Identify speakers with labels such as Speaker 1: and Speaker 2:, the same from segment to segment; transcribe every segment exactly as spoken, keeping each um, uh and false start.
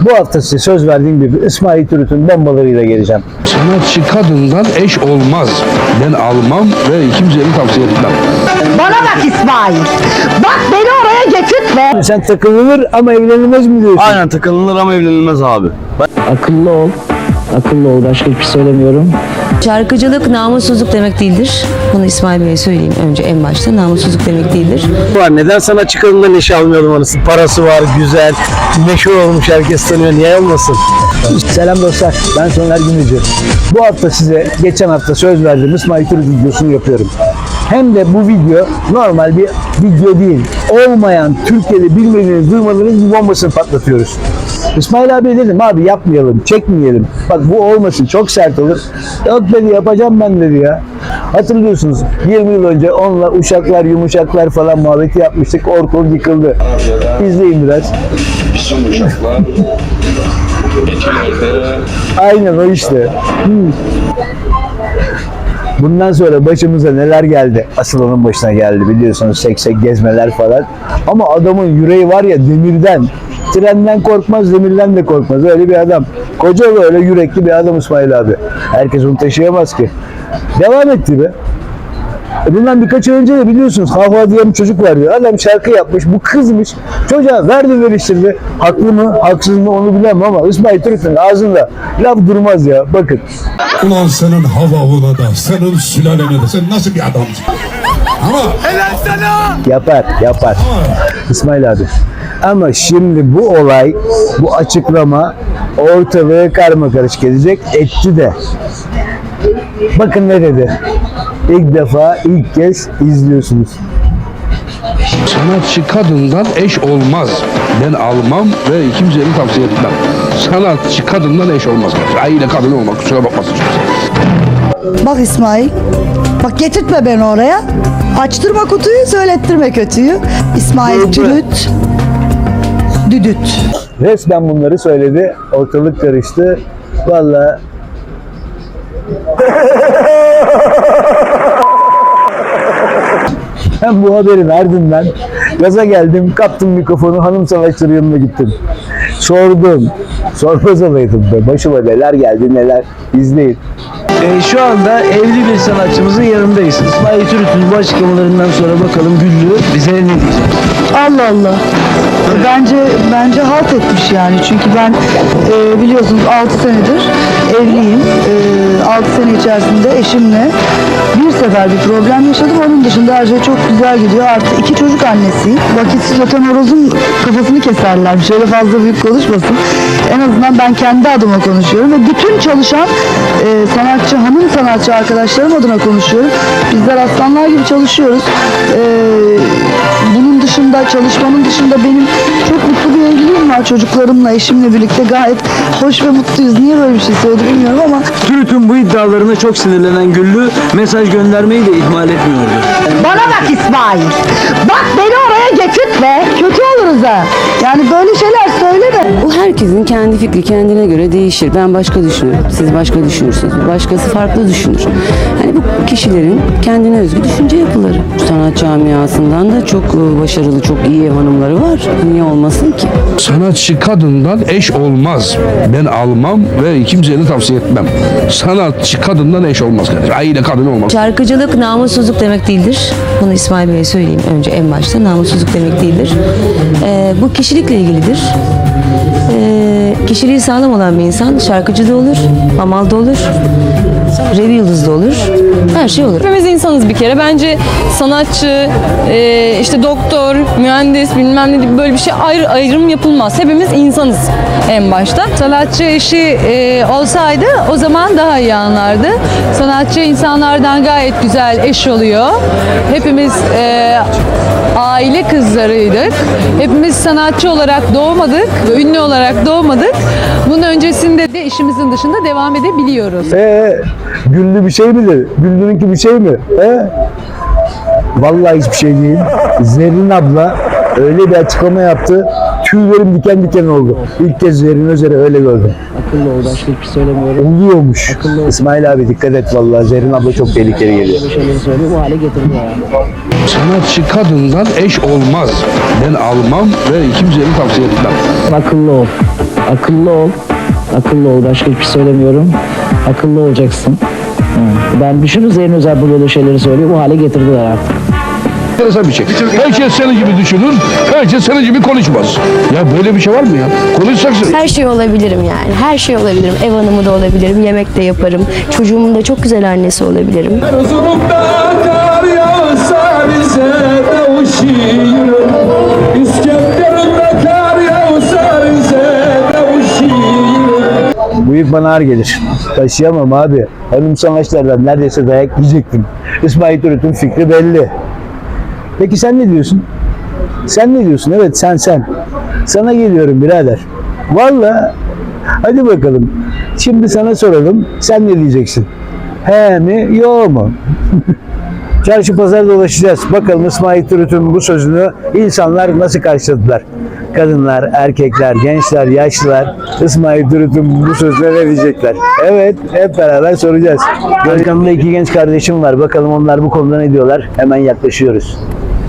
Speaker 1: Bu hafta size söz verdiğim gibi İsmail Türüt'ün bombalarıyla geleceğim.
Speaker 2: Sanatçı kadından eş olmaz. Ben almam ve kimseye tavsiye etmem.
Speaker 3: Bana bak İsmail. Bak beni oraya getirtme.
Speaker 1: Sen takılınır ama evlenilmez mi diyorsun?
Speaker 4: Aynen, takılınır ama evlenilmez abi.
Speaker 5: Akıllı ol. Akıllı ol. Başka hiçbir şey söylemiyorum.
Speaker 6: Şarkıcılık namussuzluk demek değildir. Bunu İsmail Bey'e söyleyeyim önce en başta. Namussuzluk demek değildir.
Speaker 1: Var. Neden sanatçı kadından neşe almıyordum anasını? Parası var, güzel, meşhur olmuş, herkes tanıyor. Niye olmasın? Selam dostlar, ben Soner Gümrücü. Bu hafta size geçen hafta söz verdiğim İsmail Türüt videosunu yapıyorum. Hem de bu video normal bir video değil. Olmayan, Türkiye'de bilmediğiniz, duymadığınız bir bombasını patlatıyoruz. İsmail abi dedim, abi yapmayalım, çekmeyelim. Bak bu olmasın, çok sert olur. Yok dedi, yapacağım ben dedi ya. Hatırlıyorsunuz yirmi yıl önce onunla uşaklar, yumuşaklar falan muhabbeti yapmıştık. Ortalık yıkıldı. İzleyin biraz.
Speaker 2: Bizim uşaklar etilerde.
Speaker 1: Aynen o işte. Hmm. Bundan sonra başımıza neler geldi? Asıl onun başına geldi biliyorsunuz, seksek gezmeler falan. Ama adamın yüreği var ya demirden. Trenden korkmaz, demirden de korkmaz. Öyle bir adam. Koca böyle yürekli bir adam İsmail abi. Herkes onu taşıyamaz ki. Devam etti be. Bundan birkaç ay önce de biliyorsunuz Hava diye bir çocuk vardı. Adam şarkı yapmış, bu kızmış. Çocuğa verdi veriştirdi. Haklı mı, haksız mı onu bilemem ama İsmail Türüt'ün ağzında laf durmaz ya. Bakın.
Speaker 7: Ulan senin havavuna da, senin sülalene de, sen nasıl bir adamsın? Ama helal sana!
Speaker 1: Yapar, yapar. İsmail abi. Ama şimdi bu olay, bu açıklama ortalığı karmakarışık edecek, etti de. Bakın ne dedi. İlk defa, ilk kez izliyorsunuz.
Speaker 2: Sanatçı kadından eş olmaz. Ben almam ve kimseye tavsiye etmem. Sanatçı kadından eş olmaz. Aile kadını olmak, kusura bakmasın.
Speaker 3: Bak İsmail. Bak getirtme beni oraya. Açtırma kutuyu, söylettirme kötüyü. İsmail Türüt. Düdüt.
Speaker 1: Resmen bunları söyledi. Ortalık karıştı. Vallahi ben bu haberin ardından gaza geldim, kaptım mikrofonu, hanım savaşçıları yanına gittim. Sordum. Sormaz olaydım be. Başıma neler geldi neler. İzleyin.
Speaker 5: Ee, şu anda evli bir sanatçımızın yanındayız. İsmail Türüt'ün bu açıklamalarından sonra bakalım Güllü bize ne diyecek?
Speaker 3: Allah Allah. Bence bence halt etmiş yani. Çünkü ben e, biliyorsunuz altı senedir evliyim. E, altı sene içerisinde eşimle bir sefer bir problem yaşadım. Onun dışında her şey çok güzel gidiyor. Artı iki çocuk annesiyim. Vakitsiz öten horozun kafasını keserler. Şöyle fazla büyük konuşmasın. En azından ben kendi adıma konuşuyorum ve bütün çalışan e, sanatçı, hanım sanatçı arkadaşlarım adına konuşuyorum. Bizler aslanlar gibi çalışıyoruz. E, bunun dışında, çalışmanın dışında benim çok mutlu bir evliliğim var çocuklarımla, eşimle birlikte gayet hoş ve mutluyuz. Niye böyle bir şey söyledi bilmiyorum ama
Speaker 5: Türüt'ün bu iddialarına çok sinirlenen Güllü mesaj göndermeyi de ihmal etmiyordu.
Speaker 3: bana bak İsmail. Bak beni oraya getirtme. Kötü oluruz ha. Yani böyle şeyler söyleme.
Speaker 6: Bu herkesin kendi fikri kendine göre değişir. Ben başka düşünürüm. Siz başka düşünürsünüz. Başkası farklı düşünür. Hani bu kişilerin kendine özgü düşünce yapıları. Sanat camiasından da çok başarılı, çok iyi ev hanımları var. Niye olmasın ki?
Speaker 2: Sanatçı kadından eş olmaz. Ben almam ve kimseye tavsiye etmem. Sanatçı kadından eş olmaz. Aile kadını olmaz.
Speaker 6: Şarkıcılık namussuzluk demek değildir. Bunu İsmail Bey'e söyleyeyim önce en başta. Namussuzluk demek değildir. Ee, bu kişilikle ilgilidir. Ee, kişiliği sağlam olan bir insan şarkıcı da olur, hamal da olur, revi yıldız da olur, her şey olur.
Speaker 8: Hepimiz insanız bir kere. Bence sanatçı, e, işte doktor, mühendis bilmem ne gibi böyle bir şey ayrı, ayrım yapılmaz. Hepimiz insanız en başta. Sanatçı eşi e, olsaydı o zaman daha iyi anlardı. Sanatçı insanlardan gayet güzel eş oluyor. Hepimiz e, aile kızlarıydık. Hepimiz sanatçı olarak doğmadık, ünlü olarak doğmadık. Bunun öncesinde de işimizin dışında devam edebiliyoruz.
Speaker 1: Ee, Güllü bir şey midir? Güllü'nünki bir şey mi? Ee? Vallahi hiçbir şey değil. Zerrin abla öyle bir açıklama yaptı. Tüylerim diken diken oldu. İlk kez Zerrin Özer'i öyle gördüm.
Speaker 5: Akıllı ol. Başka hiçbir şey söylemiyorum.
Speaker 1: Oluyormuş. İsmail abi dikkat et vallahi. Zerrin abla çok tehlikeli geliyor.
Speaker 5: Bir şeyleri söylüyor. Bu hale getirdi ya.
Speaker 2: Sanatçı kadından eş olmaz. Ben almam ve kimseye tavsiye etmem.
Speaker 5: Akıllı ol.
Speaker 9: Akıllı ol. Akıllı ol. Başka hiçbir şey söylemiyorum. Akıllı olacaksın. Hı. Ben düşünün Zeyno Özel bu böyle şeyleri söylüyor. Bu hale getirdiler artık.
Speaker 2: Enteresan bir şey. Herkes senin gibi düşünür, herkes senin gibi konuşmaz. Ya böyle bir şey var mı ya? Konuşacaksın.
Speaker 10: Her şey olabilirim yani. Her şey olabilirim. Ev hanımı da olabilirim. Yemek de yaparım. Çocuğumun da çok güzel annesi olabilirim.
Speaker 1: Bu yük bana ağır gelir. Taşıyamam abi. Hanım savaşlardan neredeyse dayak yiyecektim. İsmail Türüt'ün fikri belli. Peki sen ne diyorsun? Sen ne diyorsun? Evet sen sen. Sana geliyorum birader. Vallahi hadi bakalım. Şimdi sana soralım. Sen ne diyeceksin? He mi? Yo mu? Çarşı pazar dolaşacağız. Bakalım İsmail Türüt'ün bu sözünü insanlar nasıl karşıladılar? Kadınlar, erkekler, gençler, yaşlılar İsmail Türüt'ün bu sözüne ne diyecekler? Evet, hep beraber soracağız. Arkamda iki genç kardeşim var. Bakalım onlar bu konuda ne diyorlar? Hemen yaklaşıyoruz.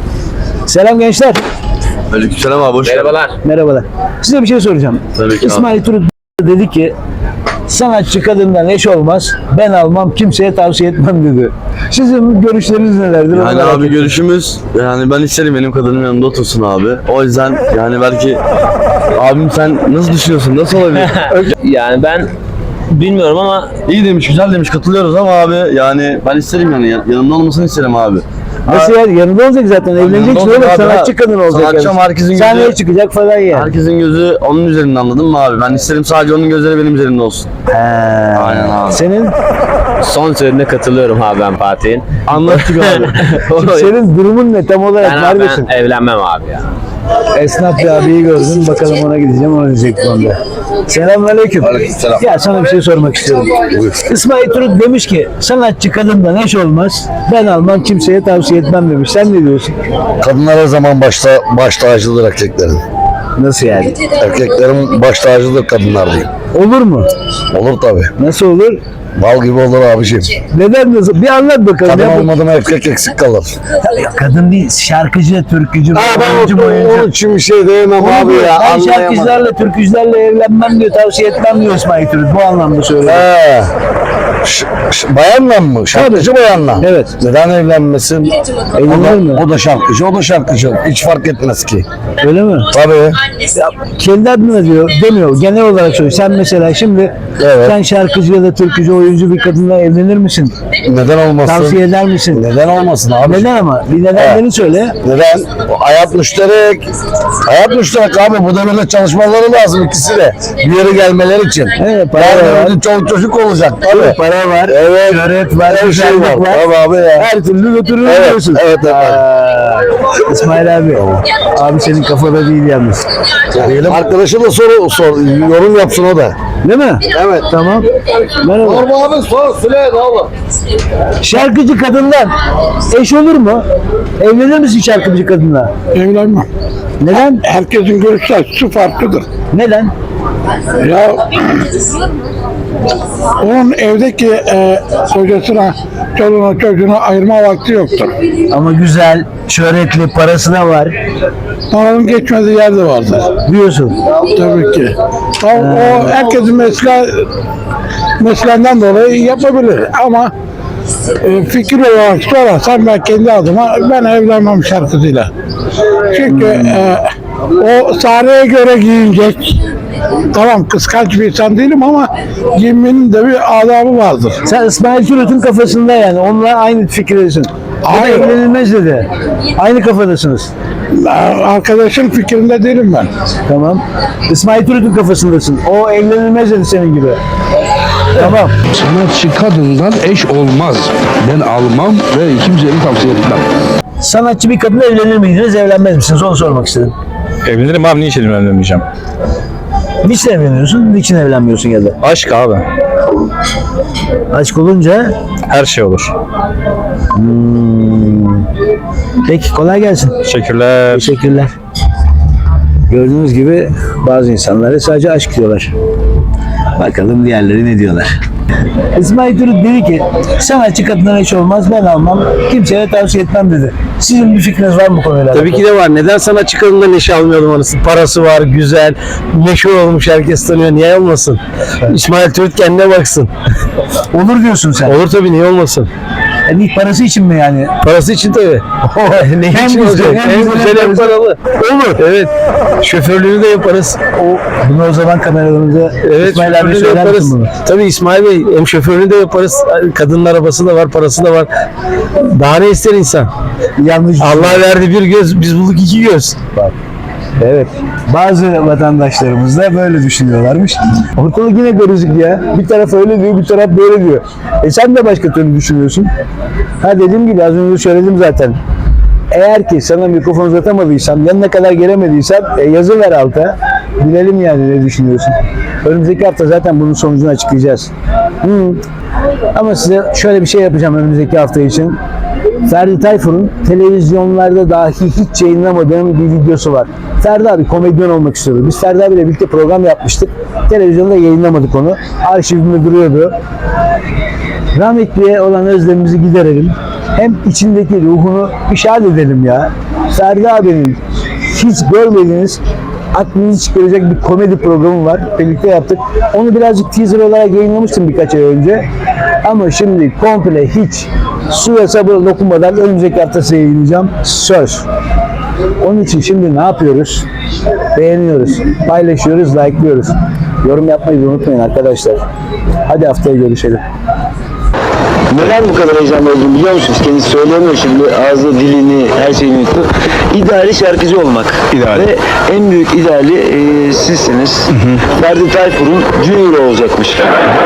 Speaker 1: Selam gençler.
Speaker 4: Aleykümselam abi, hoş geldin.
Speaker 1: Merhabalar. Size bir şey soracağım.
Speaker 4: Tabii ki
Speaker 1: İsmail Türüt dedi ki sanatçı kadından eş olmaz. Ben almam, kimseye tavsiye etmem dedi. Sizin görüşleriniz nelerdir?
Speaker 4: Yani abi görüşümüz, yani ben isterim benim kadının yanında otursun abi. O yüzden yani belki abim sen nasıl düşünüyorsun, nasıl olabilir?
Speaker 5: Yani ben bilmiyorum ama
Speaker 4: İyi demiş, güzel demiş, katılıyoruz ama abi yani ben isterim yani yan- yanımda olmasını isterim abi.
Speaker 1: Nasıl ya? Yanında olacak zaten. Evleneceksin
Speaker 4: yanında
Speaker 1: oğlum.
Speaker 4: olacak abi,
Speaker 1: Sanatçı
Speaker 4: ha.
Speaker 1: kadın olacak.
Speaker 4: Sanatçı
Speaker 1: yani.
Speaker 4: ama herkesin gözü-
Speaker 1: Sahneye çıkacak falan yani.
Speaker 4: Herkesin gözü onun üzerinde, anladın mı abi? Ben isterim sadece onun gözleri benim üzerimde olsun.
Speaker 1: He.
Speaker 4: Aynen abi.
Speaker 1: Senin
Speaker 5: son sözüne katılıyorum abi ben Fatih'in.
Speaker 4: Anlattık abi.
Speaker 1: senin durumun ne tam olarak
Speaker 5: Ben,
Speaker 1: neredesin?
Speaker 5: ben evlenmem abi ya.
Speaker 1: Esnaf bir abiyi gördüm. Bakalım ona gideceğim. Ona diyecek bu anda. Selamünaleyküm.
Speaker 4: Aleykümselam.
Speaker 1: Ya sana bir şey sormak istiyorum. İsmail Türüt demiş ki sanatçı kadından eş olmaz. Ben almam, kimseye tavsiye etmem demiş. Sen ne diyorsun?
Speaker 11: Kadınlar her zaman başta baş tacıdır erkeklerin.
Speaker 1: Nasıl yani?
Speaker 11: Erkeklerin baş tacıdır kadınlar diyeyim.
Speaker 1: Olur mu?
Speaker 11: Olur tabi.
Speaker 1: Nasıl olur?
Speaker 11: Bal gibi olur abiciğim.
Speaker 1: Neden nasıl? Bir anlat bakalım.
Speaker 11: Kadın
Speaker 1: Ya bu-
Speaker 11: olmadı mı erkek eksik kalır.
Speaker 1: Ya kadın değil, şarkıcı, türkücü,
Speaker 11: Ha
Speaker 1: oyuncu,
Speaker 11: ben
Speaker 1: oyuncu.
Speaker 11: onun için bir şey diyemem
Speaker 1: Onu
Speaker 11: abi
Speaker 1: diyor,
Speaker 11: ya.
Speaker 1: ben
Speaker 11: Anlayamadım.
Speaker 1: şarkıcılarla, türkücülerle evlenmem diyor, tavsiye etmem diyor İsmail Türüt. Bu anlamda söylüyor.
Speaker 11: He. Ş- ş- bayanla mı? Şarkıcı bayanla.
Speaker 1: Evet.
Speaker 11: Neden evlenmesin? O
Speaker 1: Evlenir mi?
Speaker 11: da, o da şarkıcı, o da şarkıcı. Hiç fark etmez ki.
Speaker 1: Öyle mi?
Speaker 11: Tabii.
Speaker 1: Ya, kendi adına diyor, demiyor. Genel olarak söylüyor. Sen mesela şimdi
Speaker 11: Evet.
Speaker 1: sen şarkıcı ya da türkücü, oyuncu bir kadınla evlenir misin?
Speaker 11: Neden olmasın?
Speaker 1: Tavsiye eder misin?
Speaker 11: Neden olmasın abi?
Speaker 1: Neden ama? Bir nedenlerini söyle.
Speaker 11: Neden? Hayat müşterek. Hayat müşterek abi. Bu devirde çalışmaları lazım ikisi de. Bir yere gelmeleri için.
Speaker 1: Evet, para
Speaker 11: Yarın
Speaker 1: var.
Speaker 11: bir çoluk çocuk olacak tabii.
Speaker 1: Para var,
Speaker 11: Evet.
Speaker 1: şöhret var,
Speaker 11: Her şey
Speaker 1: güzellik
Speaker 11: var.
Speaker 1: var.
Speaker 11: Tabii abi ya.
Speaker 1: Her türlü götürür
Speaker 11: Evet,
Speaker 1: diyorsun.
Speaker 11: evet, evet.
Speaker 1: Aa, İsmail abi, abi senin kafada değil yalnız.
Speaker 11: Diyelim. Arkadaşı da sor, sor, yorum yapsın o da.
Speaker 1: Değil mi?
Speaker 11: Evet.
Speaker 1: Tamam. Merhaba.
Speaker 11: Sorma abi sor, söyle ne olur.
Speaker 1: Şarkıcı kadından eş olur mu? Evlenir misin şarkıcı kadınla?
Speaker 12: Evlenmem.
Speaker 1: Neden?
Speaker 12: Herkesin görüş açısı farklıdır.
Speaker 1: Neden?
Speaker 12: Ya onun evdeki e, kocasına, çoluğuna, çocuğuna ayırma vakti yoktur.
Speaker 1: Ama güzel, şöhretli, parası da var
Speaker 12: Paranın geçmediği yerde vardır.
Speaker 1: diyorsun.
Speaker 12: Tabii ki. O, o herkesin mesle, mesleğinden dolayı yapabilir ama e, fikir olarak sorarsan ben kendi adıma ben evlenmem şarkıcıyla. Çünkü e, o sahneye göre giyinecek. Tamam kıskanç bir insan değilim ama giyinmenin de bir adabı vardır.
Speaker 1: Sen İsmail Türüt'ün kafasında yani. Onunla aynı fikirdesin. O da
Speaker 12: Hayır.
Speaker 1: evlenilmez dedi. Aynı kafadasınız.
Speaker 12: Arkadaşın fikrinde değilim ben.
Speaker 1: Tamam. İsmail Türüt'ün kafasındasın. O evlenilmez dedi senin gibi. Tamam.
Speaker 2: Sanatçı kadından eş olmaz. Ben almam ve kimseye tavsiye etmem.
Speaker 1: Sanatçı bir kadınla evlenir miydiniz, evlenmez misiniz? Onu sormak istedim.
Speaker 13: Evlenirim abi, niçin evlenmeyeceğim?
Speaker 1: Niçin evleniyorsun, niçin evlenmiyorsun ya da?
Speaker 13: Aşk abi.
Speaker 1: Aşk olunca
Speaker 13: Her şey olur.
Speaker 1: hmm. Peki kolay gelsin.
Speaker 13: Teşekkürler.
Speaker 1: Teşekkürler. Gördüğünüz gibi bazı insanlara sadece aşk diyorlar. Bakalım diğerleri ne diyorlar. İsmail Türüt dedi ki sanatçı kadından eş olmaz, ben almam, kimseye tavsiye etmem dedi. Sizin bir fikriniz var mı bu konuyla? Tabii ki de var. Neden sanatçı kadından eş almayalım anasını? Parası var, güzel, meşhur olmuş, herkes tanıyor. Niye olmasın? İsmail Türüt kendine baksın. Olur diyorsun sen. Olur tabii, niye olmasın? Yani ilk parası için mi yani? Parası için tabii. ne
Speaker 5: Hem
Speaker 1: için
Speaker 5: güzel,
Speaker 1: olacak?
Speaker 5: hem
Speaker 1: Hem
Speaker 5: güzel,
Speaker 1: güzel
Speaker 5: hem
Speaker 1: hem paralı. Olur. Evet. Şoförlüğünü de yaparız. O, bunu o zaman kameralarımıza evet, İsmail abi söyler misin bunu? Tabii İsmail Bey, hem şoförünü de yaparız. Kadının arabası da var, parası da var. Daha ne ister insan? Yanlış. Allah verdi bir göz, biz bulduk iki göz. Bak. Evet. Bazı vatandaşlarımız da böyle düşünüyorlarmış. Ortalık yine karışık ya. Bir taraf öyle diyor, bir taraf böyle diyor. E sen de başka türlü düşünüyorsun. Ha dediğim gibi az önce söyledim zaten. Eğer ki sana mikrofon uzatamadıysam, yanına kadar gelemediysem e, yazı ver alta. Bilelim yani ne düşünüyorsun. Önümüzdeki hafta zaten bunun sonucunu açıklayacağız. Hmm. Ama size şöyle bir şey yapacağım önümüzdeki hafta için. Ferdi Tayfur'un televizyonlarda dahi hiç yayınlamadığım bir videosu var. Ferdi abi komedyen olmak istiyordu. Biz Ferdi abiyle birlikte program yapmıştık. Televizyonda yayınlamadık onu. Arşivimde duruyordu. Rahmetliye olan özlemimizi giderelim. Hem içindeki ruhunu işaret edelim ya. Ferdi abinin hiç görmediğiniz, aklınızı çıkaracak bir komedi programı var. Birlikte yaptık. Onu birazcık teaser olarak yayınlamıştım birkaç ay önce. Ama şimdi komple hiç suya sabır dokunmadan önümüzdeki hafta size yayınlayacağım. Söz. Onun için şimdi ne yapıyoruz? Beğeniyoruz, paylaşıyoruz, like'lıyoruz. Yorum yapmayı da unutmayın arkadaşlar. Hadi haftaya görüşelim.
Speaker 5: Neden bu kadar heyecanlı olduğunu biliyor musunuz? Kendisi söyleyemiyor şimdi. Ağzı, dilini, her şeyini yuttu. İdeali şarkıcı olmak.
Speaker 13: İdeali.
Speaker 5: Ve en büyük ideali e, sizsiniz. Hı hı. Ferdi Tayfur'un Junior olacakmış.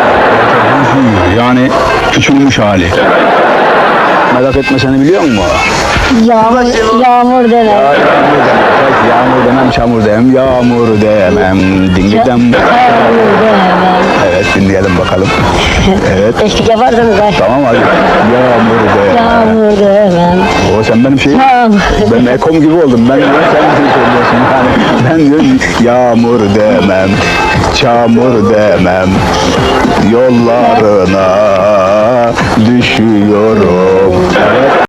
Speaker 13: Yani küçülmüş hali. Merak etme, seni biliyor musun?
Speaker 10: Yağmur, yağmur deme.
Speaker 13: Ya, yağmur demem, yağmur demem, çamur demem, yağmur demem, dinledem.
Speaker 10: Yağmur deme.
Speaker 13: Evet, dinleyelim bakalım. Evet.
Speaker 10: Eşlik yaparsanız ay.
Speaker 13: Tamam hadi. Yağmur demem.
Speaker 10: Yağmur demem.
Speaker 13: O sen benim şeyim.
Speaker 10: Yağmur.
Speaker 13: Ben ekom gibi oldum. Ben diyorum, sen bir şey söylüyorsun. Yani ben diyorum yağmur demem, çamur demem, yollarına düşüyorum. Evet.